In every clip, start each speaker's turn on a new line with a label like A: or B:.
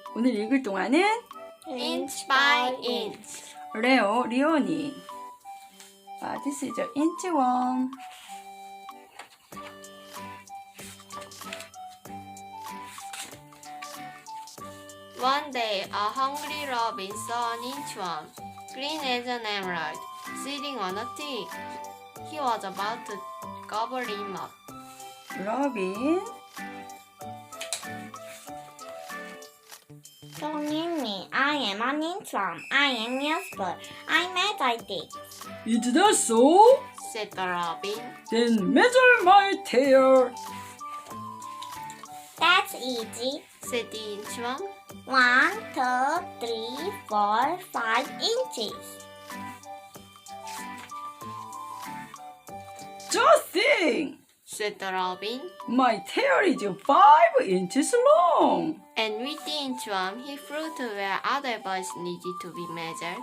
A: 오늘 읽을 동안은
B: inch by inch.
A: 리오니. This is inch 1.
B: One day, a hungry robin saw an inchworm, green as an emerald, sitting on a twig. He was about to gobble him up.
A: 로빈.
C: Don't need me. I am an inchworm. I am useful. I measure things.
A: Is that so?
B: Said the robin.
A: Then measure my tail.
C: That's easy.
B: Said the inchworm.
C: 1, 2, 3, 4, 5 inches.
A: Just think.
B: Said the robin.
A: My tail is 5 inches long.
B: And with the inchworm, he flew to where other birds needed to be measured.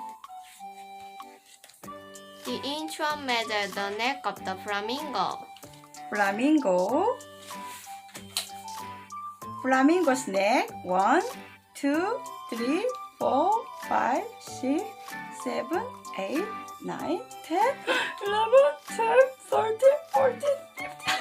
B: The inchworm measured the neck of the flamingo.
A: Flamingo. Flamingo's neck. 1, 2, 3, 4, 5, 6, 7, 8, 9, 10, 11, 12, 13, 14, 15.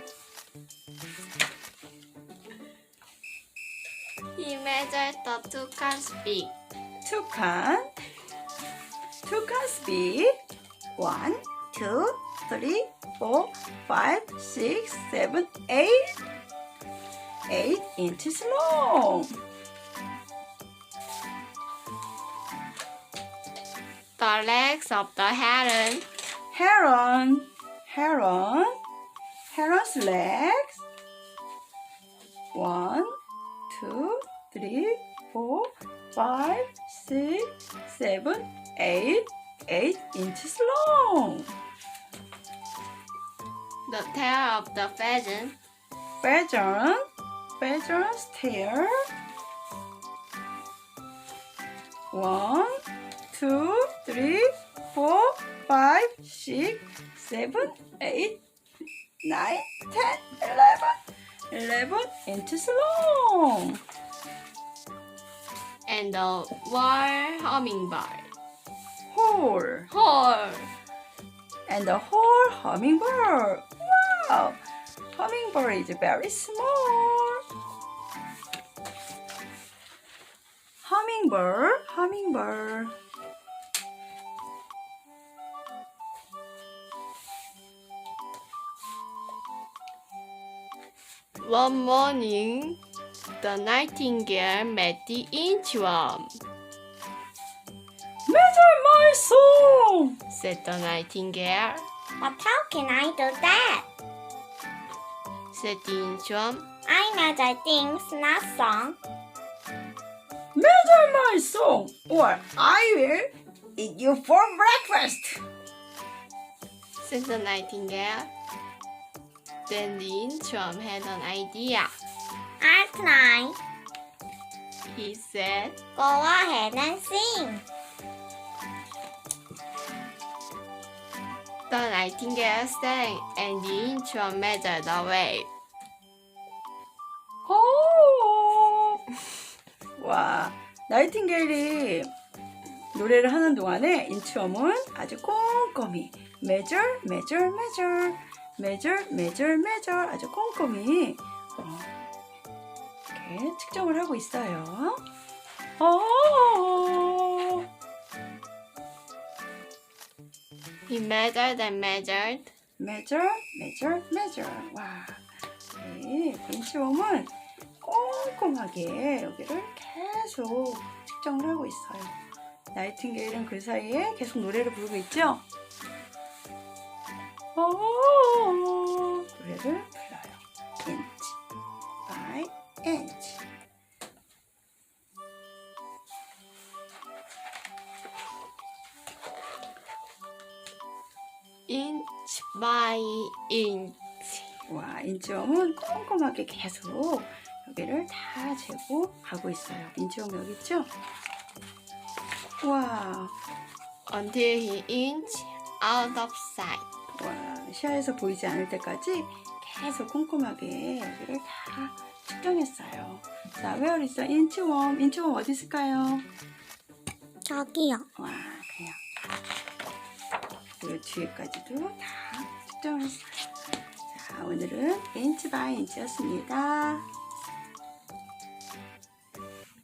B: He measured the toucan's beak.
A: Toucan. Toucan's beak. 1, 2, 3, 4, 5, 6, 7, 8. 8 inches long.
B: The legs of the heron.
A: Heron. Heron's legs. 1, 2, 3, 4, 5, 6, 7, 8. 8 inches long.
B: The tail of the pheasant.
A: Pheasant's tail. 1, 2, 3, 4, 5, 6, 7, 8, 9, 10, 11 inches long.
B: And the whole hummingbird.
A: Whole. And the whole hummingbird. Wow! Hummingbird is very small. Hummingbird.
B: One morning, the nightingale met the inchworm.
A: Measure my song,
B: Said the nightingale.
C: But how can I do that?
B: Said the inchworm.
C: I measure things, not song.
A: Measure my song, or I will eat you for breakfast.
B: Said the nightingale. Then the inchworm had an idea.
C: I'll try.
B: He said.
C: Go ahead and sing.
B: The nightingale sang, and the inchworm measured the wave.
A: 오! 와, 나이팅게일이 노래를 하는 동안에 인치엄은 아주 꼼꼼히 measure 아주 꼼꼼히 이렇게 측정을 하고 있어요. 오!
B: He measured and measured.
A: measure. 와, 네, 인치엄은 꼼꼼하게 여기를 계속 측정을 하고 있어요. 나이팅게일은 그 사이에 계속 노래를 부르고 있죠? 노래를 불러요. inch by inch.
B: Inch by inch.
A: 와, 인치엄은 꼼꼼하게 계속 여기를 다 재고 가고 있어요. 인치엄 여기 있죠? 와,
B: Until he inched out of sight.
A: 와, 시야에서 보이지 않을 때까지 계속 꼼꼼하게 여기를 다 측정했어요. 자, where is the inchworm? 인치웜 어디 있을까요?
C: 저기요.
A: 와, 그냥 그 뒤에까지도 다 측정을 했어요. 자, 오늘은 인치 바이 인치였습니다.